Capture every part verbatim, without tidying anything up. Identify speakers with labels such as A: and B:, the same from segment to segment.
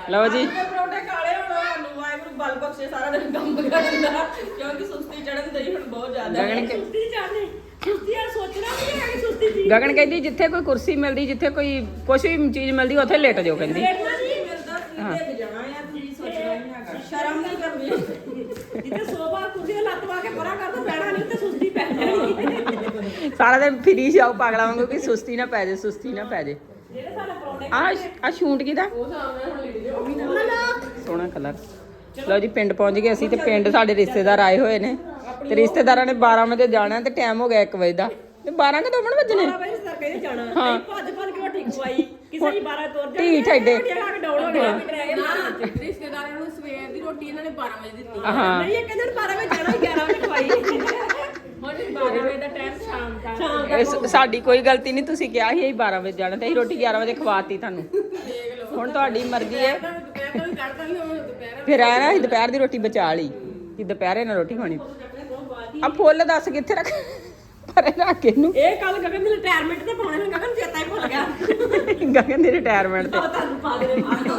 A: ਲਓ ਜੀ
B: ਪਰੌਂਠੇ ਕਾਲੇ ਹੋਣ ਨੂੰ ਵਾਹਿਗੁਰੂ ਬਲ ਬਖਸ਼ੇ ਸਾਰਾ ਦਿਨ ਕੰਮ ਕਰਦਾ ਕਿਉਂਕਿ ਸੁਸਤੀ ਚੜਨ ਦਈ ਹੁਣ ਬਹੁਤ ਜ਼ਿਆਦਾ
A: ਗਗਨ
B: ਸੁਸਤੀ ਚੜਨੀ ਸੁਸਤੀ ਆ ਸੋਚਣਾ ਵੀ ਹੈ ਕਿ ਸੁਸਤੀ ਦੀ
A: ਗਗਨ ਕਹਿੰਦੀ ਜਿੱਥੇ ਕੋਈ ਕੁਰਸੀ ਮਿਲਦੀ ਜਿੱਥੇ ਕੋਈ ਕੁਛ ਵੀ ਚੀਜ਼ ਮਿਲਦੀ ਉੱਥੇ ਲੇਟ ਜਾਓ ਕਹਿੰਦੀ
B: ਲੇਟਣਾ ਨਹੀਂ ਮਿਲਦਾ ਤੁਸੀਂ ਦੇਖ ਜਾਣਾ ਆ ਤੁਸੀਂ ਸੋਚਣਾ ਨਹੀਂ ਹੈਗਾ ਸ਼ਰਮ ਨਹੀਂ ਕਰਨੀ ਜਿੱਥੇ ਸੋਭਾ ਕੁਰਸੀ ਤੇ ਲੱਤ ਵਾ ਕੇ ਪਰਾਂ ਕਰ ਦੋ ਬੈਠਾ ਨਹੀਂ ਤੇ ਸੁਸਤੀ ਪੈ ਜਾਣੀ
A: ਸਾਰਾ ਦਿਨ ਫਿਰੀ ਜਾਓ ਪਾਗਲਾ ਵਾਂਗੂ ਕਿ ਸੁਸਤੀ ਨਾ ਪੈ ਜੇ ਸੁਸਤੀ ਨਾ ਪੈ ਜੇ
B: ਜਿਹੜੇ ਸਾਡੇ ਪਰੌਂਠੇ
A: ਆ ਆ ਸ਼ੂਟ ਕਿਦਾ
B: ਉਹ ਸਾਹਮਣੇ ਹੁਣ ਲਿਖ ਦਿਓ ਉਹ ਵੀ ਨਾ
A: ਸੋਹਣਾ ਕਲਰ ਲਓ ਜੀ ਪਿੰਡ ਪਹੁੰਚ ਗਏ ਅਸੀਂ ਤੇ ਪਿੰਡ ਸਾਡੇ ਰਿਸ਼ਤੇਦਾਰ ਆਏ ਹੋਏ ਨੇ ਤੇ ਰਿਸ਼ਤੇਦਾਰਾਂ ਨੇ ਬਾਰਾਂ ਵਜੇ ਜਾਣਾ ਤੇ ਟਾਈਮ ਹੋ ਗਿਆ ਇੱਕ ਵਜੇ ਦਾ ਤੇ ਬਾਰਾਂ ਕਦੋਂ ਬਣ ਵੱਜਣੇ
B: ਬਾਰਾਂ ਵਜੇ ਸਰ ਕਹਿੰਦੇ ਜਾਣਾ ਹਾਂ ਭੱਜ ਭੱਜ ਕੇ ਰੋਟੀ ਖਵਾਈ ਕਿਸੇ ਦੀ ਬਾਰਾਂ ਤੁਰ ਜਾ
A: ਢੀਠ ਐਡੇ
B: ਡਾਊਨ ਹੋ ਗਿਆ
C: ਰਿਸ਼ਤੇਦਾਰਾਂ ਨੂੰ ਸਵੇਰ ਦੀ ਰੋਟੀ ਇਹਨਾਂ ਨੇ ਬਾਰਾਂ ਵਜੇ ਦਿੱਤੀ
A: ਹਾਂ
B: ਨਹੀਂ ਇਹ ਕਹਿੰਦੇ ਬਾਰਾਂ ਵਜੇ ਜਾਣਾ ਗਿਆਰਾਂ ਵਜੇ ਖਵਾਈ
C: ਹੁਣ ਬਾਰਾਂ ਵਜੇ ਦਾ ਟਾਈਮ ਸ਼ਾਮ ਦਾ
B: ਸ਼ਾਮ
A: ਇਹ ਸਾਡੀ ਕੋਈ ਗਲਤੀ ਨਹੀਂ ਤੁਸੀਂ ਕਿਹਾ ਸੀ ਅਸੀਂ ਬਾਰਾਂ ਵਜੇ ਜਾਣਾ ਤੇ ਅਸੀਂ ਰੋਟੀ ਗਿਆਰਾਂ ਵਜੇ ਖਵਾਤੀ ਤੁਹਾਨੂੰ ਹੁਣ ਤੁਹਾਡੀ ਮਰਜ਼ੀ ਹੈ
C: ਦੁਪਹਿਰ ਤੋਂ ਵੀ ਕੱਢਦਾ ਨਹੀਂ ਹੁਣ ਦੁਪਹਿਰ
A: ਫਿਰ ਆਇਆ ਨਾ ਅਸੀਂ ਦੁਪਹਿਰ ਦੀ ਰੋਟੀ ਬਚਾ ਲਈ ਕਿ ਦੁਪਹਿਰੇ ਨਾਲ ਰੋਟੀ ਖਾਣੀ ਆ ਫੁੱਲ ਦੱਸ ਕਿੱਥੇ ਰੱਖ ਪਰੇ ਰੱਖ ਕੇ ਇਹਨੂੰ
B: ਇਹ ਕੱਲ ਗਗਨ ਦੀ ਰਿਟਾਇਰਮੈਂਟ ਤੇ ਪਾਉਣੇ ਨੂੰ ਗਗਨ ਚੇਤਾ ਹੀ ਭੁੱਲ ਗਿਆ
A: ਗਗਨ ਦੀ ਰਿਟਾਇਰਮੈਂਟ ਤੇ
B: ਉਹ ਤੁਹਾਨੂੰ ਪਾ ਦੇ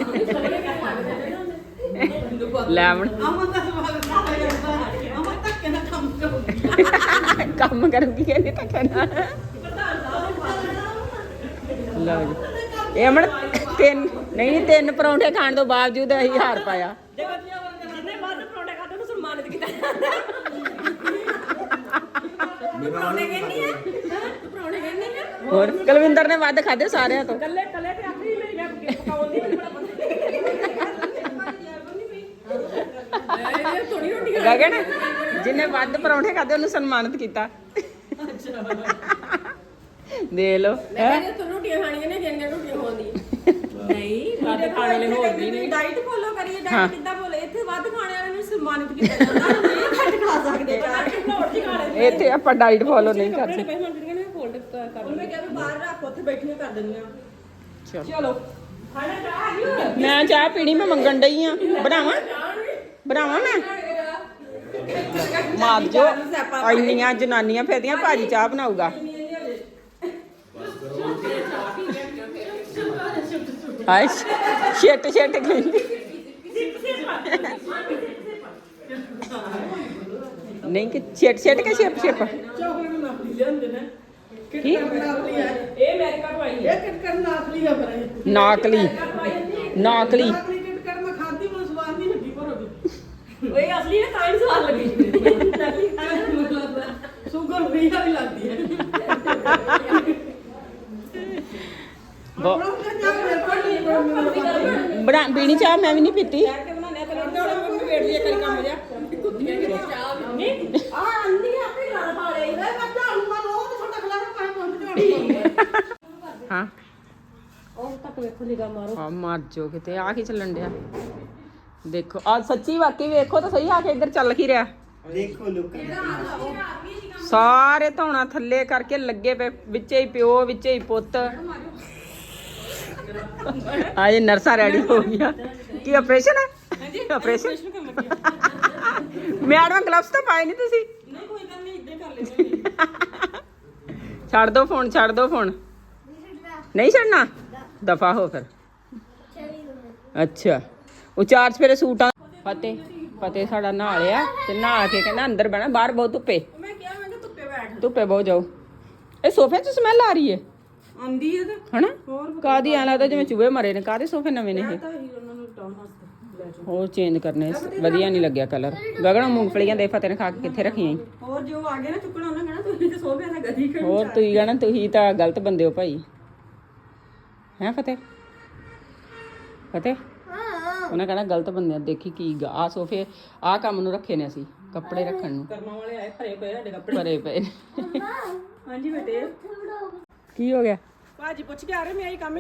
A: ਲੈ ਹੁਣ
B: ਅਮਨ ਦਾ ਸਵਾਲ ਨਾ ਜਾਂਦਾ ਅਮਨ ਧੱਕੇ ਨਾਲ ਕੰਮ ਕਰੂਗੀ
A: ਕੰਮ ਕਰੂਗੀ ਕਹਿੰਦੀ ਤਾਂ ਕਹਿਣਾ ਲਓ ਜੀ ਇਹ ਅਮਨ ਤਿੰਨ ਨਹੀਂ ਨਹੀਂ ਤਿੰਨ ਪਰੌਂਠੇ ਖਾਣ ਤੋਂ ਬਾਵਜੂਦ ਅਸੀਂ ਹਾਰ ਪਾਇਆ
B: ਦੇਖੋ ਜਿੰਨੇ ਵੱਧ ਪਰੌਂਠੇ ਖਾਦੇ ਉਹਨੂੰ ਸਨਮਾਨਿਤ ਕੀਤਾ ਜਾਂਦਾ ਪਰੌਂਠੇ ਕਹਿੰਦੀ ਹੈ ਤੂੰ ਪਰੌਂਠੇ ਕਹਿੰਦੀ ਹੈ
A: ਹੋਰ ਕੁਲਵਿੰਦਰ ਨੇ ਵੱਧ ਖਾਦੇ ਸਾਰਿਆਂ ਤੋਂ
B: ਕੱਲੇ ਕੱਲੇ ਤੇ ਆਖਰੀ ਮੇਰੀ ਮੈਂ ਪਕਾਉਣ ਦੀ ਮੈਨੂੰ ਬੜਾ ਪਤਾ ਥੋੜੀ ਰੋਟੀ
A: ਗਗਨ ਜਿਹਨੇ ਵੱਧ ਪਰੌਂਠੇ ਖਾਦੇ ਉਹਨੂੰ ਸਨਮਾਨਿਤ ਕੀਤਾ ਦੇ ਲੋ
C: ਕਹਿੰਦੇ ਤੂੰ ਰੋਟੀਆਂ ਖਾਣੀਆਂ ਨੇ ਜਿੰਨੀਆਂ ਰੋਟੀਆਂ ਹੋਣਦੀਆਂ
B: ਨਹੀਂ ਵੱਧ ਖਾਣ ਵਾਲੇ ਹੋਰ ਵੀ ਨਹੀਂ ਡਾਈਟ ਫੋਲੋ ਕਰੀਏ ਡਾਈਟ ਕਿੱਦਾਂ ਬੋਲੇ ਇੱਥੇ ਵੱਧ ਖਾਣੇ ਵਾਲੇ ਨੂੰ ਸਨਮਾਨਿਤ ਕੀਤਾ ਜਾਂਦਾ ਨਹੀਂ ਘੱਟ ਖਾ ਸਕਦੇ ਘੱਟ ਹੀ ਖਾ ਲੈਂਦੇ
A: ਇੱਥੇ ਆਪਾਂ ਡਾਈਟ ਫੋਲੋ ਨਹੀਂ ਕਰ ਸਕਦੇ
B: ਪਹਿਲਾਂ ਜਿਹੜੀਆਂ ਨੇ ਫੋਲਡ ਕਰ ਉਹਨੇ ਕਿਹਾ ਵੀ ਬਾਹਰ ਰੱਖ ਉੱਥੇ ਬੈਠੀਆਂ ਕਰ ਦਿੰਦੀਆਂ
A: ਚਲੋ
B: ਚਲੋ ਖਾਣਾ ਚਾਹ ਆਈ
A: ਮੈਂ ਚਾਹ ਪੀਣੀ ਮੈਂ ਮੰਗਣ ਡਈ ਆ ਬਣਾਵਾਂ ਬਣਾਵਾਂ ਮੈਂ ਮਾਰ ਜੋ ਇੰਨੀਆਂ ਜਨਾਨੀਆਂ ਫਿਰਦੀਆਂ ਭਾਜੀ ਚਾਹ ਬਣਾਊਗਾ ਹਾਏ ਛਿੱਟ ਛਿੱਟ ਕਹਿੰਦੀ ਨਹੀਂ ਕਿ ਛਿੱਟ ਛਿੱਟ ਕੇ ਛਿਪ ਛਿਪ
B: ਚਾਕਲੇਟ ਨਾਪਲੀ ਲਿਆਂਦੇ ਨੇ
A: ਕੀ
B: ਇਹ ਅਮਰੀਕਾ ਤੋਂ ਆਈ ਹੈ ਇਹ ਕਿਟਕਟ ਨਾਪਲੀ ਆ ਫਿਰ
A: ਨਾਕਲੀ ਨਾਕਲੀ
B: ਨਾਪਲੀ ਕਿਟਕਟ ਮੈਂ ਖਾਂਦੀ ਮੈਨੂੰ ਸਵਾਦ ਨਹੀਂ ਲੱਗੀ ਪਰ ਉਹਦੀ ਓਏ ਅਸਲੀ ਨੇ ਤਾਂ ਹੀ ਸਵਾਦ ਲੱਗੀ ਨਕਲੀ ਖਾਣਾ ਸ਼ੂਗਰ ਵੀ ਆ ਵੀ ਲੱਗਦੀ ਹੈ
A: ਬਣਾ ਪੀਣੀ ਚਾਹ ਮੈਂ ਵੀ ਨਹੀਂ ਪੀਤੀ
B: ਕੇ ਬਣਾਉਂਦੇ ਆ ਤੇ ਲੋੜ ਮੰਮੀ ਵੇਟ ਲਈ ਕਰੀ ਕੰਮ ਜਿਆ ਕੁੱਤੀਆਂ ਕਿ ਚਾਹ ਨਹੀਂ ਆ ਅੰਦੀ ਆਪੇ ਗਾਲ ਪਾ ਲਈ ਮੈਂ ਝਾੜੂ ਮਾਰੋ ਉਹ ਤੇ ਛੋਟਾ ਖਲਾ ਪਾਏ ਪਹੁੰਚ ਝਾੜੂ
A: ਹਾਂ
B: ਉਹ ਤੱਕ ਵੇਖੋ ਨਿਗਾ ਮਾਰੋ
A: ਆ ਮਰ ਜੋ ਕਿਤੇ ਆ ਕੀ ਚੱਲਣ ਡਿਆ ਦੇਖੋ ਆ ਸੱਚੀ ਵਾਕਈ ਵੇਖੋ ਤਾਂ ਸਹੀ ਆ ਕੇ ਇੱਧਰ ਚੱਲ ਕੀ ਰਿਹਾ
D: ਦੇਖੋ ਲੋਕਾਂ
A: ਸਾਰੇ ਧੌਣਾ ਥੱਲੇ ਕਰਕੇ ਲੱਗੇ ਪਏ ਵਿੱਚੇ ਹੀ ਪਿਓ ਵਿੱਚੇ ਹੀ ਪੁੱਤ ਆਏ ਨਰਸਾ ਰੈਡੀ ਹੋ ਗਿਆ ਕੀ ਆਪਰੇਸ਼ਨ ਹੈ ਆਪਰੇਸ਼ਨ ਮੈਡਮ ਗਲਵਸ ਤਾਂ ਪਾਏ ਨਹੀਂ ਤੁਸੀਂ
B: ਨਹੀਂ ਕੋਈ ਗੱਲ ਨਹੀਂ ਇੱਦਾਂ ਕਰ ਲੈਂਦੇ
A: ਛੱਡ ਦੋ ਫੋਨ ਛੱਡ ਦੋ ਫੋਨ ਨਹੀਂ ਛੱਡਣਾ ਦਫਾ ਹੋ ਫਿਰ ਅੱਛਾ ਉਹ ਚਾਰ ਸਵੇਰੇ ਸੂਟਾਂ ਫਤਿਹ ਫਤਿਹ ਸਾਡਾ ਨਹਾ ਲਿਆ ਤੇ ਨਹਾ ਕੇ ਕਹਿੰਦਾ ਅੰਦਰ ਬਹਿਣਾ ਬਾਹਰ ਬਹੁਤ ਧੁੱਪੇ
B: ਮੈਂ ਕਿਹਾ ਮੈਂ ਕਿ ਧੁੱਪੇ ਬੈਠ
A: ਧੁੱਪੇ ਬਹੁਤ ਜਾਓ ਇਹ ਸੋਫੇ 'ਚ ਸਮੈਲ ਆ ਰਹੀ ਹੈ
B: ਆਂਦੀ ਹੈ ਤੇ
A: ਹਨਾ
B: ਹੋਰ
A: ਕਾਦੀ ਐਂ ਲੱਗਦਾ ਜਿਵੇਂ ਚੂਹੇ ਮਰੇ ਨੇ ਕਾਦੇ ਸੋਫੇ ਨਵੇਂ ਨੇ ਇਹ
B: ਤਾਂ ਹੀ ਉਹਨਾਂ ਨੂੰ ਟਾਉਨ ਹਸਤੇ ਲੈ ਜਾਓ
A: ਹੋਰ ਚੇਂਜ ਕਰਨੇ ਵਧੀਆ ਨਹੀਂ ਲੱਗਿਆ ਕਲਰ ਗਗਨ ਮੂੰਗਫਲੀਆਂ ਦੇ ਫਤਿਹ ਨੇ ਖਾ ਕੇ ਕਿੱਥੇ ਰੱਖੀਆਂ ਈ?
B: ਹੋਰ ਜੋ ਆ ਗਿਆ ਨਾ ਚੁੱਕਣਾ ਉਹਨਾਂ ਕਹਿਣਾ ਤੁਸੀਂ ਤੇ ਸੋਭਿਆ ਦਾ ਗਦੀ ਕਰ
A: ਹੋਰ ਤੁਸੀਂ ਕਹਿਣਾ ਤੁਸੀਂ ਤਾਂ ਗਲਤ ਬੰਦੇ ਹੋ ਭਾਈ ਹੈ ਫਤਿਹ ਫਤਿਹ ਉਹਨਾਂ ਕਹਿਣਾ ਗਲਤ ਬੰਦੇ ਆ ਦੇਖੀ ਕੀ ਆ ਸੋਫੇ ਆ ਕੰਮ ਨੂੰ ਰੱਖੇ ਨੇ ਅਸੀਂ ਕੱਪੜੇ ਰੱਖਣ ਨੂੰ
B: ਕਰਮਾਂ ਵਾਲੇ ਆਏ ਭਰੇ ਪਏ ਸਾਡੇ ਕੱਪੜੇ
A: ਭਰੇ ਪਏ ਨੇ।
B: ਹਾਂਜੀ ਬੇਟੇ
A: ਕੀ ਹੋ ਗਿਆ
B: ਭਾਜੀ ਪੁੱਛ ਕੇ ਆ ਰਹੇ ਮੈਂ ਆਈ ਕੰਮ ਹੀ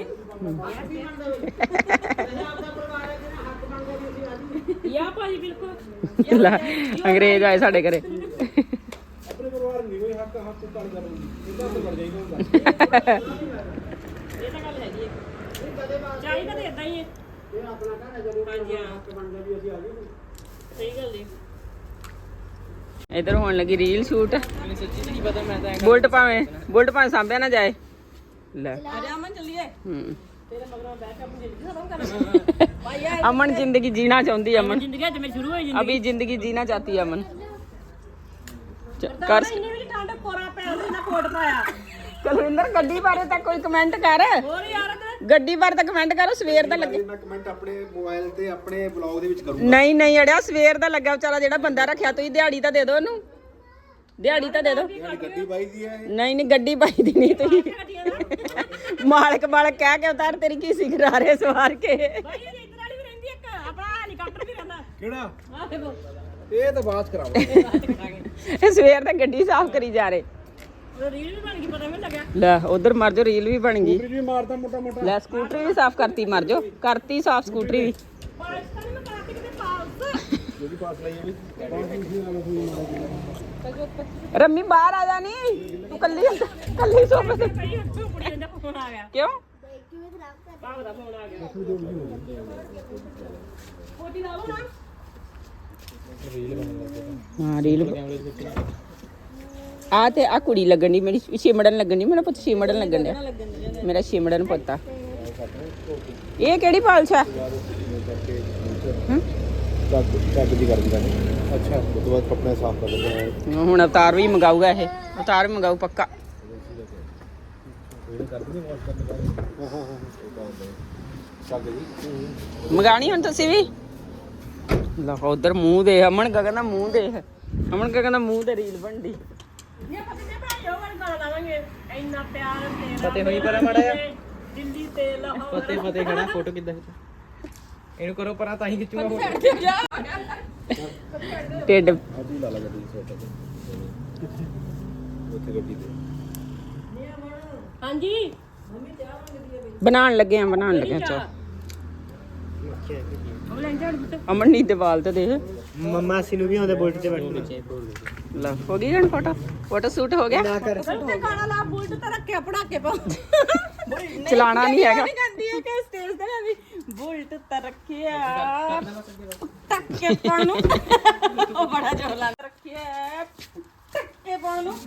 B: ਯਾ ਭਾਜੀ ਬਿਲਕੁਲ
A: ਲੈ, ਅੰਗਰੇਜ਼ ਆਏ ਸਾਡੇ ਘਰੇ
D: ਆਪਣੇ ਪਰਿਵਾਰ ਨਹੀਂ ਕੋਈ ਹੱਕ ਹੱਥ ਤੜ ਕਰਨਗੇ ਇਹਦਾ ਤਾਂ ਕਰ ਜਾਈਦਾ ਹੁੰਦਾ
B: ਇਹ ਤਾਂ ਗੱਲ ਹੈਗੀ ਹੈ ਚਾਹੀਦਾ ਤਾਂ ਇਦਾਂ ਹੀ ਹੈ
D: ਇਹ ਆਪਣਾ ਘਰ ਹੈ ਜਦੋਂ
B: ਹਾਂਜੀ ਹਾਂ
D: ਹੱਕ ਬਣਦਾ ਵੀ ਅਸੀਂ ਆ ਗਏ
B: ਸਹੀ ਗੱਲ ਹੈ
A: ਇਧਰ ਹੋਣ ਲੱਗੀ ਰੀਲ ਸ਼ੂਟ ਬੁਲਟ ਭਾਵੇਂ ਬੁਲਟ ਭਾਵੇਂ ਸਾਂਭਿਆ ਨਾ ਜਾਏ ਲੈ
B: ਆ ਜਾ ਅਮਨ ਚੱਲੀਏ
A: ਹੂੰ
B: ਤੇਰੇ ਮਗਰੋਂ ਬਹਿ ਕੇ ਆਪਣੀ ਜ਼ਿੰਦਗੀ ਖਤਮ ਕਰਨਾ ਭਾਈ ਆ
A: अमन जिंदगी जीना चाहती है अमन
B: ਜ਼ਿੰਦਗੀ ਅੱਜ ਮੇਰੀ ਸ਼ੁਰੂ ਹੋਈ ਜ਼ਿੰਦਗੀ
A: अभी जिंदगी जीना चाहती है अमन च- कर
B: ਇੰਨੀ ਵੀ ਠੰਡ ਕੋਰਾ ਪੈ ਨਾ ਕੋਟ ਪਾਇਆ
A: ਕੁਲਵਿੰਦਰ ਗੱਡੀ ਬਾਰੇ ਤਾਂ ਕੋਈ ਕਮੈਂਟ ਕਰ
B: ਹੋਰ ਯਾਰ ਤੇ
A: ਗੱਡੀ ਬਾਰੇ ਤਾਂ ਕਮੈਂਟ ਕਰ ਸਵੇਰ ਦਾ ਲੱਗੇ
D: ਮੈਂ ਕਮੈਂਟ ਆਪਣੇ ਮੋਬਾਈਲ ਤੇ ਆਪਣੇ ਬਲੌਗ ਦੇ ਵਿੱਚ ਕਰੂੰਗਾ
A: ਨਹੀਂ ਨਹੀਂ ਅੜਿਆ ਸਵੇਰ ਦਾ ਲੱਗਾ ਵਿਚਾਰਾ ਜਿਹੜਾ ਬੰਦਾ ਰੱਖਿਆ ਤੁਸੀਂ ਦਿਹਾੜੀ ਤਾਂ ਦੇ ਦਿਓ ਉਹਨੂੰ ਦਿਹਾੜੀ ਤਾਂ ਦੇ ਦਿਓ
D: ਯਾਨੀ ਗੱਡੀ ਬਾਈ ਦੀ ਹੈ ਇਹ।
A: ਨਹੀਂ ਨਹੀਂ ਗੱਡੀ ਪਾਈ ਦੀ ਨਹੀਂ ਤੁਸੀਂ ਮਾਲਕ ਮਾਲਕ ਕਹਿ ਕੇ ਉਤਾਰ ਤੇਰੀ ਕੀ ਸਿੱਖ ਰਹੇ ਸਵਾਰ ਕੇ
B: ਭਾਈ ਇਹ ਇੱਧਰ ਵਾਲੀ ਵੀ ਰਹਿੰਦੀ ਇੱਕ ਆਪਣਾ ਹੈਲੀਕਾਪਟਰ ਵੀ ਰਹਿੰਦਾ
D: ਕਿਹੜਾ
B: ਆਹ ਦੇਖੋ
D: ਇਹ ਤਾਂ ਬਾਤ ਕਰਾਵਾ
A: ਇਹ ਸਵੇਰ ਦਾ ਗੱਡੀ ਸਾਫ਼ ਕਰੀ ਜਾ ਰਹੇ
B: ਉਹ ਰੀਲ ਵੀ ਬਣ ਗਈ ਪਤਾ ਮੈਨੂੰ ਲੱਗਿਆ
A: ਲੈ ਉਧਰ ਮਰ ਜਾਓ ਰੀਲ ਵੀ ਬਣ ਗਈ
D: ਵੀ ਮਾਰਦਾ ਮੋਟਾ ਮੋਟਾ
A: ਲੈ ਸਕੂਟਰੀ ਵੀ ਸਾਫ਼ ਕਰਤੀ ਮਰ ਜਾਓ ਕਰਤੀ ਸਾਫ਼ ਸਕੂਟਰੀ ਵੀ
B: ਪਾਕਿਸਤਾਨ ਮੈਂ ਕਰਾਤੀ ਕਿਤੇ ਪਾਸ
D: ਜਿਹੜੀ ਪਾਸ ਲਈ ਵੀ ਕੌਣ ਸੀ ਨਾਲ ਹੋਈ
A: ਰੰਮੀ ਬਾਹਰ ਆ ਜਾ ਨੀ ਤੂੰ ਕੱਲੀ ਕੱਲੀ ਸੋਫੇ ਤੇ
B: ਪਈ ਉੱਥੋਂ ਕੁੜੀ ਦਾ ਫੋਨ ਆ ਗਿਆ
A: ਕਿਉਂ
B: ਭਾਵ ਦਾ ਫੋਨ ਆ ਗਿਆ ਫੋਟੀ ਲਾ ਲਓ ਨਾ
A: ਹਾਂ ਰੀਲ ਆ ਤੇ ਆ ਕੁੜੀ ਲੱਗਣ ਦੀ ਮੇਰੀ ਛਿਮੜਨ ਲੱਗਣ ਦੀ ਮੇਰਾ ਪੁੱਤ ਛਿਮੜਨ ਲੱਗਣ ਡਿਆ ਮੇਰਾ ਛਿਮੜਨ ਪੁੱਤਾ ਇਹ ਕਿਹੜੀ ਪਾਲਸ਼ ਆ ਹਮ?
D: ਚੱਕ ਚੱਕ ਦੀ ਕਰ ਦਿੰਦਾ ਅੱਛਾ ਉਸ ਤੋਂ ਬਾਅਦ ਕੱਪੜੇ ਸਾਫ਼ ਕਰ ਦਿੰਦਾ
A: ਹੁਣ ਅਵਤਾਰ ਵੀ ਮੰਗਾਊਗਾ ਇਹ ਅਵਤਾਰ ਵੀ ਮੰਗਾਊ ਪੱਕਾ
D: ਕਰ ਦਿੰਦੇ ਵਾਸ਼ ਕਰਨ ਦਾ ਹਾਂ ਹਾਂ ਚੱਕ ਜੀ
A: ਮੰਗਾਣੀ ਹੁਣ ਤੁਸੀਂ ਵੀ ਲਾ ਉਧਰ ਮੂੰਹ ਦੇ ਅਮਨ ਗਗਨ ਦਾ ਮੂੰਹ ਦੇ ਅਮਨ ਗਗਨ ਦਾ ਮੂੰਹ ਤੇ ਰੀਲ ਬਣਦੀ
B: ਇਹ ਪਤਾ ਨਹੀਂ ਭਾਈ ਉਹ ਵਾਲੀ ਗਾਣਾ ਲਾਵਾਂਗੇ ਇੰਨਾ ਪਿਆਰ ਤੇਰਾ
E: ਫਤਿਹ ਹੋਈ ਪਰਾਂ ਮਾੜਾ ਜਿਹਾ।
B: ਦਿੱਲੀ ਤੇ ਲਾਹੌਰ
E: ਫਤਿਹ ਫਤਿਹ ਖੜਾ ਫੋਟੋ ਕਿੱਦਾਂ ਖਿੱਚ ਇਹਨੂੰ ਕਰੋ ਪਰਾਂ ਤਾਂ ਹੀ ਖਿੱਚੂਗਾ ਫੋਟੋ
A: ਢਿੱਡ
D: ਅੱਜ ਹੀ ਲਾ ਲਾ ਗੱਡੀ ਸੋਟਾ ਉੱਥੇ ਗੱਡੀ ਤੇ
B: ਹਾਂਜੀ
A: ਬਣਾਉਣ ਲੱਗੇ ਆ ਬਣਾਉਣ ਲੱਗੇ ਆ ਚਾ
B: ਉਹ ਲੈਣ ਜਾਣ ਪੁੱਤ
A: ਅਮਨ ਨੀ ਦੀਵਾਲ ਤੇ ਦੇਖ
E: ਮੰਮਾ ਸੀ ਨੂੰ ਵੀ ਆਉਂਦੇ ਬੁਲਟ ਤੇ ਬੈਠਣਾ
A: ਲੈ ਹੋ ਗਈ ਹੁਣ ਫੋਟੋ ਫੋਟੋ ਸ਼ੂਟ ਹੋ ਗਿਆ
E: ਨਾ ਕਰ
B: ਤੇ ਗਾਣਾ ਲਾ ਬੁਲਟ ਤੇ ਰੱਖਿਆ ਪੜਾਕੇ ਪਾ
A: ਚਲਾਣਾ ਨਹੀਂ ਹੈਗਾ
B: ਨਹੀਂ ਕਹਿੰਦੀ ਹੈ ਕਿ ਸਟੇਜ ਤੇ ਨਾ ਵੀ ਬੁਲਟ ਤੇ ਰੱਖਿਆ ਟੱਕੇ ਪਾਉਣ ਨੂੰ ਉਹ ਬੜਾ ਜ਼ੋਰ ਲਾ ਰੱਖਿਆ ਟੱਕੇ ਪਾਉਣ ਨੂੰ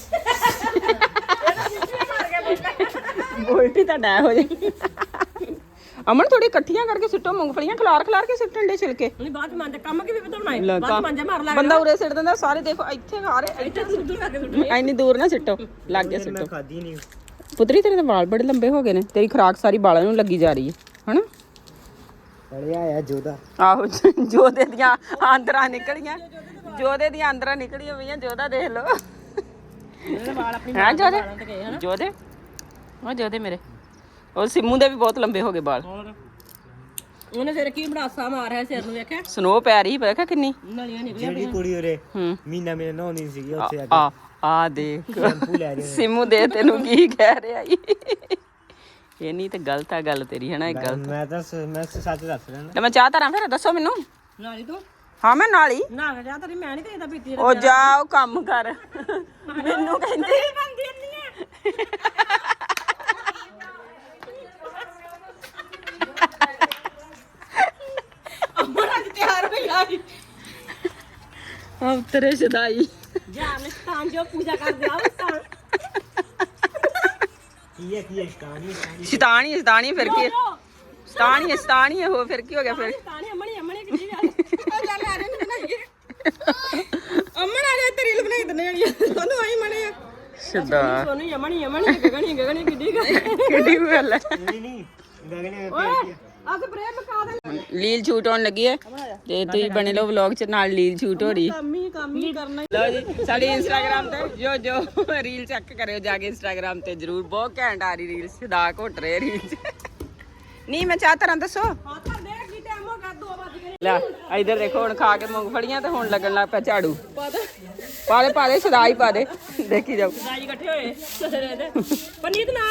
B: ਇਹਦਾ ਸਿੱਧੀ ਮਾਰ ਕੇ ਬੋਲਦਾ
A: ਬੋਲਟੀ ਤਾਂ ਡੈ ਹੋ ਜਾਏ ਅਮਨ ਥੋੜੀ ਇਕੱਠੀਆਂ ਕਰਕੇ ਸਿੱਟੋ ਮੂੰਗਫਲੀਆਂ ਖਲਾਰ ਖਲਾਰ ਕੇ ਸਿੱਟਣ ਦੇ ਛਿਲਕੇ
B: ਨਹੀਂ ਬਾਅਦ ਮੰਨ ਕੰਮ ਕੀ ਵੀ ਬਤਾਉਣਾ ਹੈ
A: ਲੈ
B: ਬਾਅਦ
A: ਤਾਂ
B: ਮੰਜਾ ਮਾਰ ਲਾ
A: ਬੰਦਾ ਉਰੇ ਸਿੱਟ ਦਿੰਦਾ ਸਾਰੇ ਦੇਖੋ ਇੱਥੇ ਖਾ ਰਹੇ
B: ਇੱਥੇ ਸੁੱਧੂ ਲਾ ਕੇ ਸੁੱਟੂ
A: ਐਨੀ ਦੂਰ ਨਾ ਸਿੱਟੋ ਲੱਗ ਗਿਆ
E: ਮੈਂ
A: ਸਿੱਟੋ
E: ਖਾਦੀ ਨਹੀਂ
A: ਪੁੱਤਰੀ ਤੇਰੇ ਤਾਂ ਵਾਲ ਬੜੇ ਲੰਬੇ ਹੋ ਗਏ ਨੇ ਤੇਰੀ ਖਰਾਕ ਸਾਰੀ ਵਾਲਾਂ ਨੂੰ ਲੱਗੀ ਜਾ ਰਹੀ ਹੈ ਹਨਾ
E: ਅੜਿਆ ਆ ਜੋਦਾ
A: ਆਹੋ ਜੋਦੇ ਦੀਆਂ ਆਂਦਰਾਂ ਨਿਕਲੀਆਂ ਜੋਦੇ ਦੀਆਂ ਆਂਦਰਾਂ ਨਿਕਲੀਆਂ ਪਈਆਂ ਜੋਦਾ ਦੇਖ ਲਓ
B: ਇਹਦੇ ਵਾਲ ਆਪਣੀ
A: ਹਾਂ ਜੋਦੇ
B: ਤੇ ਗਏ ਹਨਾ
A: ਜੋਦੇ ਉਹ ਜੋਦੇ ਮੇਰੇ ਉਹ ਸਿੰਮੂ ਦੇ ਵੀ ਬਹੁਤ ਲੰਬੇ ਹੋ ਗਏ ਵਾਲ
B: ਹੋਰ ਉਹਨੇ ਫਿਰ ਕੀ ਬੜਾਸਾ ਮਾਰਿਆ ਸਿਰ ਨੂੰ ਵੇਖਿਆ
A: ਸਨੋ ਪੈ ਰਹੀ ਵੇਖਿਆ ਕਿੰਨੀ
B: ਨਲੀਆਂ ਨਿਕਲੀਆਂ
E: ਜਿਹੜੀ ਕੁੜੀ ਉਰੇ
A: ਹੂੰ
E: ਮੀਨਾ ਮੇਰੇ ਨਹਾਉਂਦੀ ਸੀਗੀ ਉੱਥੇ ਆ
A: ਆ ਆ ਦੇਖ
E: ਸ਼ੈਂਪੂ ਲੈ ਰਹੀ
A: ਸਿੰਮੂ ਦੇ ਤੈਨੂੰ ਕੀ ਕਹਿ ਰਿਹਾ ਈ ਇਹ ਨਹੀਂ ਤੇ ਗਲਤ ਆ ਗੱਲ ਤੇਰੀ ਹਨਾ ਇਹ ਗਲਤ
E: ਮੈਂ ਤਾਂ ਸ- ਮੈਂ ਸ- ਸੱਚ ਦੱਸ ਰਿਹਾ ਨਾ
A: ਤੇ ਮੈਂ ਚਾਹ ਧਰਾਂ ਫਿਰ ਦੱਸੋ ਮੈਨੂੰ
B: ਨਾਲੀ ਤੂੰ
A: ਹਾਂ ਮੈਂ ਨਾਲ ਹੀ
B: ਨਾ ਜਾ ਤੇਰੀ ਮੈਂ ਨਹੀਂ ਕਹਿੰਦਾ ਪੀਤੀ
A: ਉਹ ਜਾਓ ਕੰਮ ਕਰ ਮੈਨੂੰ ਕਹਿੰਦੇ
B: ਬੰਦੀ ਨਹੀਂ ਅਮਰਾ ਤਿਆਰ ਹੋ ਗਈ
A: ਆ ਤੇਰੇ ਸਦਾਈ
B: ਜਾਨ ਸਥਾਨ ਜੋ ਪੂਜਾ ਕਰਦੇ ਆ ਉਸ ਸਥਾਨ
E: ਕੀ ਹੈ ਕੀ ਹੈ ਕਹਾਣੀ
A: ਸ਼ੈਤਾਨੀ ਸ਼ੈਤਾਨੀ ਫਿਰ ਕੀ ਸ਼ੈਤਾਨੀ ਸ਼ੈਤਾਨੀ ਹੋ ਫਿਰ ਕੀ ਹੋ ਗਿਆ ਫਿਰ
B: ਤਾਣੀ ਅਮਣੀ ਅਮਣੀ ਕਿੱਡੀ ਗੱਲ ਉਹ ਚੱਲ ਆ ਰਹੇ ਨੇ ਬਣਾਈਏ ਅਮਣ ਆ ਜਾ ਤੇਰੀ ਰੀਲ ਬਣਾਈ ਦਨੇ ਆਣੀ ਤੁਹਾਨੂੰ ਆਈ ਮਣੇ ਆ
A: ਸ਼ਦਾ
B: ਸੋਨੂੰ ਅਮਣੀ ਅਮਣੀ ਗਗਣੀ ਗਗਣੀ ਕਿੱਡੀ ਗੱਲ
A: ਕਿਹੜੀ ਗੱਲ ਹੈ
E: ਨਹੀਂ ਨਹੀਂ ਗਗਨੇ
B: ਓਏ ਆ ਸਪਰੇ ਬਕਾ ਦੇ
A: ਲੀਲ ਛੂਟ ਹੋਣ ਲੱਗੀ ਹੈ ਤੇ ਤੁਸੀਂ ਬਣੇ ਲਓ ਵਲੌਗ ਚ ਨਾਲ ਲੀਲ ਛੂਟ ਹੋ ਰਹੀ
B: ਕੰਮ ਹੀ ਕੰਮ ਹੀ ਕਰਨਾ
A: ਲਓ ਜੀ ਸਾਡੀ ਇੰਸਟਾਗ੍ਰਾਮ ਤੇ ਜੋ ਜੋ ਰੀਲ ਚੈੱਕ ਕਰਿਓ ਜਾ ਕੇ ਇੰਸਟਾਗ੍ਰਾਮ ਤੇ ਜਰੂਰ ਬਹੁਤ ਘੈਂਟ ਆ ਰਹੀ ਰੀਲ ਸਦਾ ਘੁੱਟ ਰਹੇ ਰੀਲ ਚ ਨਹੀਂ ਮੈਂ ਚਾਹ ਤਰ੍ਹਾਂ ਦੱਸੋ
B: ਹਾਂ ਤਾਂ ਦੇਖ ਕੀ ਟਾਈਮ ਹੋ ਗਿਆ ਦੋ ਵਜ ਗਏ
A: ਲੈ ਇਧਰ ਦੇਖੋ ਹੁਣ ਖਾ ਕੇ ਮੂੰਗਫਲੀਆਂ ਤੇ ਹੁਣ ਲੱਗਣ ਲੱਗ ਪਿਆ ਝਾੜੂ
B: ਪਾ ਦੇ
A: ਪਾ ਦੇ ਪਾ ਦੇ ਸਦਾ ਹੀ ਪਾ ਦੇ ਦੇਖੀ ਜਾਓ
B: ਰਾਜੀ ਇਕੱਠੇ ਹੋਏ ਸਰੇ ਦੇ ਪਨੀਤ ਨਾ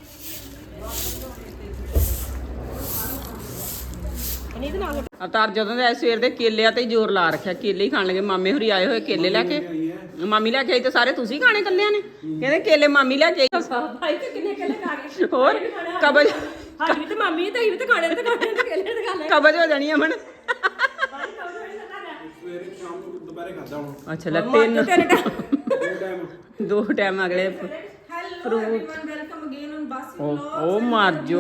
B: ਪਨੀਤ ਨਾ
A: ਅਵਤਾਰ ਜਦੋਂ ਦੇ ਸਵੇਰ ਦੇ ਕੇਲਿਆਂ ਤੇ ਹੀ ਜ਼ੋਰ ਲਾ ਰੱਖਿਆ ਕੇਲੇ ਹੀ ਖਾਣ ਲੱਗੇ ਮਾਮੇ ਹੋਰੀ ਆਏ ਹੋਏ ਕੇਲੇ ਲੈ ਕੇ ਮਾਮੀ ਲੈ ਕੇ ਆਈ ਤੇ ਸਾਰੇ ਤੁਸੀਂ ਖਾਣੇ ਕੱਲਿਆਂ ਨੇ ਕਹਿੰਦੇ ਕੇਲੇ ਮਾਮੀ ਲੈ ਕੇ ਆਈ
B: ਭਾਈ ਤੇ ਕਿੰਨੇ ਕਿੰਨੇ ਖਾ ਗਏ
A: ਹੋਰ ਕਬਜ
B: ਸਾਡੀ ਤੇ ਮਾਮੀ ਤੇ ਹੀ ਤੇ ਖਾਣੇ ਤੇ ਖਾਣੇ ਤੇ ਕਿੰਨੇ ਤੇ ਖਾ ਲੈ
A: ਕਬਜ ਹੋ ਜਾਣੀ ਅਮਨ
D: ਸਵੇਰੇ ਸ਼ਾਮ ਨੂੰ ਦੁਪਹਿਰੇ ਖਾਦਾ ਹੁਣ
A: ਅੱਛਾ ਲੈ ਤਿੰਨ
B: ਤੇਰੇ ਟਾਈਮ
D: ਦੋ ਟਾਈਮ
A: ਦੋ ਟਾਈਮ ਅਗਲੇ ਫਰੂਟ
C: ਵੈਲਕਮ ਅਗੇਨ ਔਨ ਬਾਸੀ
A: ਉਹ ਉਹ ਮਾਰ ਜੋ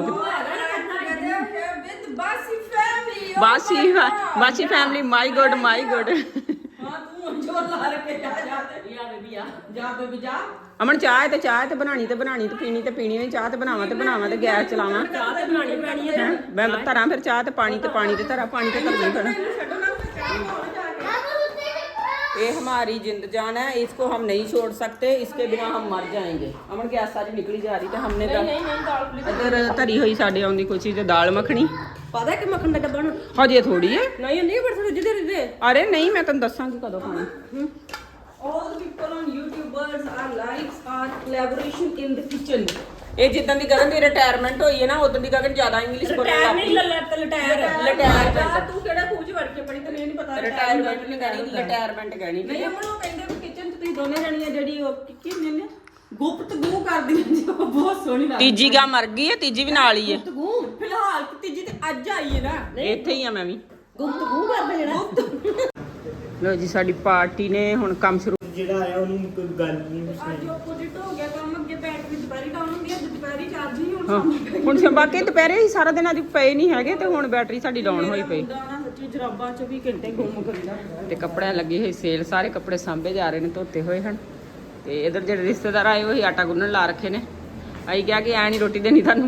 C: ਵਿਦ ਬਾਸੀ family
A: Basi Basi family my good my good
B: ਹਾਂ ਤੂੰ ਜੋਰ ਲਾ ਕੇ ਜਾ ਜਾ ਤੇ
C: ਯਾ ਬੇਬੀ ਆ
B: ਜਾ ਬੇਬੀ ਜਾ
A: ਅਮਨ ਚਾਹ ਹੈ ਤੇ ਚਾਹ ਹੈ ਤੇ ਬਣਾਣੀ ਤੇ ਬਣਾਣੀ ਤੇ ਪੀਣੀ ਤੇ ਪੀਣੀ ਹੋਈ ਚਾਹ ਤੇ ਬਣਾਵਾਂ ਤੇ ਬਣਾਵਾਂ ਤੇ ਗੈਸ ਚਲਾਵਾਂ
C: ਚਾਹ ਤੇ ਬਣਾਣੀ ਪੈਣੀ ਹੈ
A: ਹੈਂ? ਮੈਂ ਧਰਾਂ ਫਿਰ ਚਾਹ ਤੇ ਪਾਣੀ ਤੇ ਪਾਣੀ ਤੇ ਧਰਾਂ ਪਾਣੀ ਤੇ ਧਰਨੀ ਪੈਣਾ
B: ਛੱਡੋ ਨਾ ਤੇ ਚਾਹ ਬਣਾਉਣ ਜਾ ਕੇ
A: ये हमारी जिंद जान है, इसको हम नहीं छोड़ सकते, इसके बिना हम मर जाएंगे। अमन गैस सारी निकली जा रही, तो हमने
C: ਨਹੀਂ ਨਹੀਂ ਨਹੀਂ ਦਾਲ ਪਲੀਜ਼
A: इधर धरी हुई साढ़े आउंदी कोई चीज दाल मखनी
B: ਪਤਾ ਕਿ ਮੱਖਣ ਦਾ ਡੱਬਾ ਨੂੰ
A: हजे थोड़ी है।
B: ਨਹੀਂ ਨਹੀਂ ਬੜ ਥੋੜੀ ਜਿਹੀ ਦੇ
A: अरे नहीं मैं तेन दसांगी कदों खानी।
B: all the people on YouTubers are likes are collaboration in the kitchen
A: ਇਹ ਜਿੱਦਾਂ ਦੀ ਗਗਨ ਦੀ ਰਿਟਾਇਰਮੈਂਟ ਹੋਈ ਹੈ ਨਾ ਉਦੋਂ ਦੀ ਗਗਨ ਜ਼ਿਆਦਾ ਇੰਗਲਿਸ਼ ਬੋਲਣ
B: ਟਾਇਰ
A: ਲੱਗ
B: ਨਹੀਂ
A: ਪਈ।
B: ਲੱਲੇ ਤੇ ਲਟਾਇਰ
A: ਲਟਾਇਰ
B: ਤੂੰ ਕਿਹੜਾ ਖੂਜ ਵੜ ਕੇ ਪੜੀ ਤੈਨੂੰ ਇਹ ਨਹੀਂ ਪਤਾ
A: ਰਿਟਾਇਰਮੈਂਟ ਨਹੀਂ ਕਹਿਣੀ, ਰਿਟਾਇਰਮੈਂਟ ਕਹਿਣੀ।
B: ਨਹੀਂ ਅਮਨ ਉਹ ਕਹਿੰਦੇ ਵੀ ਕਿਚਨ 'ਚ ਤੁਸੀਂ ਦੋਨੇ ਜਣੀਆਂ ਜਿਹੜੀ ਉਹ ਕੀ ਕੀ ਹੁੰਦੀਆਂ ਨੇ ਗੁਪਤਗੂ ਕਰਦੀਆਂ ਜੀ ਉਹ ਬਹੁਤ ਸੋਹਣੀ ਲੱਗਦੀ
A: ਤੀਜੀ ਗਾ ਮਰ ਗਈ ਹੈ, ਤੀਜੀ ਵੀ ਨਾਲ ਹੀ ਹੈ।
B: ਗੁਪਤਗੂ ਫਿਲਹਾਲ ਤੀਜੀ ਤੇ ਅੱਜ ਆਈ ਹੈ ਨਾ
A: ਇੱਥੇ ਹੀ ਆ ਮੈਂ ਵੀ।
B: ਗੁਪਤਗੂ ਕਰਦੇ ਜਿਹੜਾ
A: ਲੋ ਜੀ ਸਾਡੀ ਪਾਰਟੀ ਨੇ ਹੁਣ ਕੰਮ ਸ਼ੁਰੂ।
E: ਜਿਹੜਾ ਆਇਆ ਉਹਨੂੰ ਕੋਈ ਗੱਲ ਨਹੀਂ
B: ਅੱਜ ਆਪੋਜ਼ਿਟ ਹੋ ਗਿਆ ਕੰਮ ਅੱਗੇ ਬੈਟਰੀ ਦੁਪਹਿਰੀ ਡਾਊਨ ਹੁੰਦੀ ਹੈ ਦੁਪਹਿਰੀ ਚਾਰਜ ਹੀ ਹੁਣ
A: ਹਾਂ ਹੁਣ ਸ- ਬਾਕੀ ਦੁਪਹਿਰੇ ਹੀ ਸਾਰਾ ਦਿਨ ਅੱਜ ਪਏ ਨਹੀਂ ਹੈਗੇ ਤੇ ਹੁਣ ਬੈਟਰੀ ਸਾਡੀ ਡਾਊਨ ਹੋਈ ਪਈ।
B: ਨਾ ਸੱਚੀ ਜਰਾਬਾਂ ਚੌਵੀ ਘੰਟੇ ਗੁੰਮ ਕਰੀਦਾ
A: ਤੇ ਕੱਪੜਿਆਂ ਲੱਗੀ ਹੋਈ ਸੇਲ, ਸਾਰੇ ਕੱਪੜੇ ਸਾਂਭੇ ਜਾ ਰਹੇ ਨੇ, ਧੋਤੇ ਹੋਏ ਹਨ। ਤੇ ਇਧਰ ਜਿਹੜੇ ਰਿਸ਼ਤੇਦਾਰ ਆਏ ਹੋਏ ਆਟਾ ਗੁੰਨਣ ਲਾ ਰੱਖੇ ਨੇ। ਅਸੀਂ ਕਿਹਾ ਕਿ ਐ ਨਹੀਂ ਰੋਟੀ ਦੇਣੀ ਤੁਹਾਨੂੰ।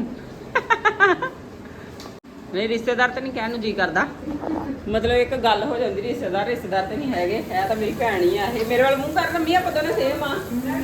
A: ਨਹੀਂ ਰਿਸ਼ਤੇਦਾਰ ਤਾਂ ਨਹੀਂ ਕਹਿਣ ਨੂੰ ਜੀ ਕਰਦਾ, ਮਤਲਬ ਇੱਕ ਗੱਲ ਹੋ ਜਾਂਦੀ ਰਿਸ਼ਤੇਦਾਰ ਰਿਸ਼ਤੇਦਾਰ ਤੇ ਨਹੀਂ ਹੈਗੇ, ਹੈ ਤਾਂ ਮੇਰੀ ਭੈਣ ਹੀ ਆ ਇਹ। ਮੇਰੇ ਵੱਲ ਮੂੰਹ ਕਰ ਲੰਮੀ ਆ, ਪਤਾ ਨਾ ਸੇਮ ਆ।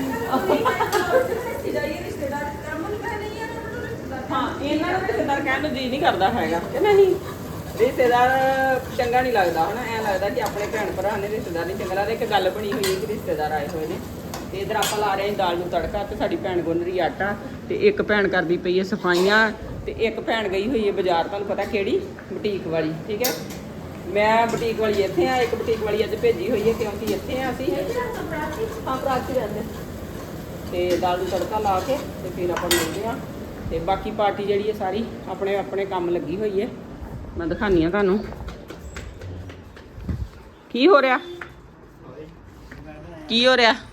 B: ਰਿਸ਼ਤੇਦਾਰ ਕਰਮਨ ਕਹ ਨਹੀਂ ਹੈ
A: ਹਾਂ ਇਹਨਾਂ ਨੂੰ ਰਿਸ਼ਤੇਦਾਰ ਕਹਿਣ ਨੂੰ ਜੀ ਨਹੀਂ ਕਰਦਾ ਹੈਗਾ ਕਿ ਨਹੀਂ। ਰਿਸ਼ਤੇਦਾਰ ਚੰਗਾ ਨਹੀਂ ਲੱਗਦਾ ਹਨਾ, ਐਂ ਲੱਗਦਾ ਕਿ ਆਪਣੇ ਭੈਣ ਭਰਾ ਨੇ, ਰਿਸ਼ਤੇਦਾਰ ਨਹੀਂ ਚੰਗਾ ਲੱਗਦਾ। ਇੱਕ ਗੱਲ ਬਣੀ ਹੋਈ ਹੈ ਕਿ ਰਿਸ਼ਤੇਦਾਰ ਆਏ ਹੋਏ ਨੇ ਤੇ ਇਧਰ ਆਪਾਂ ਲਾ ਰਹੇ ਹਾਂ ਦਾਲ ਨੂੰ ਤੜਕਾ ਤੇ ਸਾਡੀ ਭੈਣ ਗੁੰਨ ਰਹੀ ਆਟਾ ਤੇ ਇੱਕ ਭੈਣ ਕਰਦੀ ਪਈ ਹੈ ਸਫਾਈਆਂ ਤੇ ਇੱਕ ਭੈਣ ਗਈ ਹੋਈ ਹੈ ਬਾਜ਼ਾਰ, ਤੁਹਾਨੂੰ ਪਤਾ ਕਿਹੜੀ, ਬੁਟੀਕ ਵਾਲੀ। ਠੀਕ ਹੈ, ਮੈਂ ਬੁਟੀਕ ਵਾਲੀ ਇੱਥੇ ਆ, ਇੱਕ ਬੁਟੀਕ ਵਾਲੀ ਅੱਜ ਭੇਜੀ ਹੋਈ ਹੈ ਕਿਉਂਕਿ ਇੱਥੇ ਆ ਅਸੀਂ। ਹਾਂ ਪ੍ਰਾਚੀ ਰਹਿੰਦੇ ਤੇ ਦਾਲ ਨੂੰ ਤੜਕਾ ਲਾ ਕੇ ਤੇ ਫਿਰ ਆਪਾਂ ਮਿਲਦੇ ਆ। ਤੇ ਬਾਕੀ ਪਾਰਟੀ ਜਿਹੜੀ ਹੈ ਸਾਰੀ ਆਪਣੇ ਆਪਣੇ ਕੰਮ ਲੱਗੀ ਹੋਈ ਹੈ। ਮੈਂ ਦਿਖਾਨੀ ਆ ਤੁਹਾਨੂੰ ਕੀ ਹੋ ਰਿਹਾ, ਕੀ ਹੋ ਰਿਹਾ।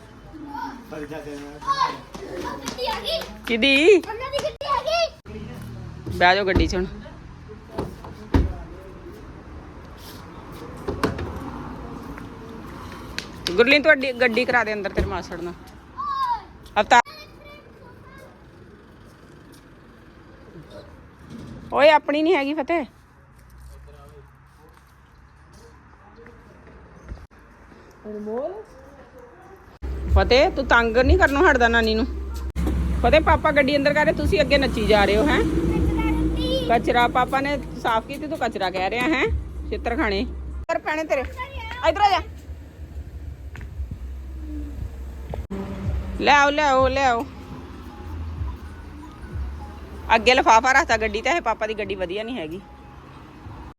A: ਕਿਦੀ ਬਹਿ ਜਾਓ ਗੱਡੀ 'ਚ ਹੁਣ। ਗੁਰਲੀਨ ਤੁਹਾਡੀ ਗੱਡੀ ਕਰਾ ਦੇ ਅੰਦਰ ਤੇਰੇ ਮਾਸੜ ਨਾਲ। ਅਵਤਾਰ ਓਏ ਆਪਣੀ ਨਹੀਂ ਹੈਗੀ ਫਤਿਹ। ਫਤਿਹ ਤੂੰ ਤੰਗ ਨਹੀਂ ਕਰਨੋਂ ਹਟਦਾ ਨਾਨੀ ਨੂੰ। ਫਤਿਹ ਪਾਪਾ ਗੱਡੀ ਅੰਦਰ ਕਰ ਰਹੇ, ਤੁਸੀਂ ਅੱਗੇ ਨੱਚੀ ਜਾ ਰਹੇ ਹੋ। ਹੈ ਕਚਰਾ ਪਾਪਾ ਨੇ ਸਾਫ਼ ਕੀਤੀ, ਤੂੰ ਕਚਰਾ ਕਹਿ ਰਿਹਾ ਹੈ। ਛਿੱਤਰ ਖਾਣੇ ਕਰ ਪੈਣੇ ਤੇਰੇ। ਇਧਰ ਆ ਜਾ, ਲੈ ਆਓ ਲੈ ਆਓ ਲੈ ਆਓ। ਅੱਗੇ ਲਿਫਾਫਾ ਰੱਖਤਾ ਗੱਡੀ ਤੇ, ਇਹ ਪਾਪਾ ਦੀ ਗੱਡੀ ਵਧੀਆ ਨਹੀਂ ਹੈਗੀ।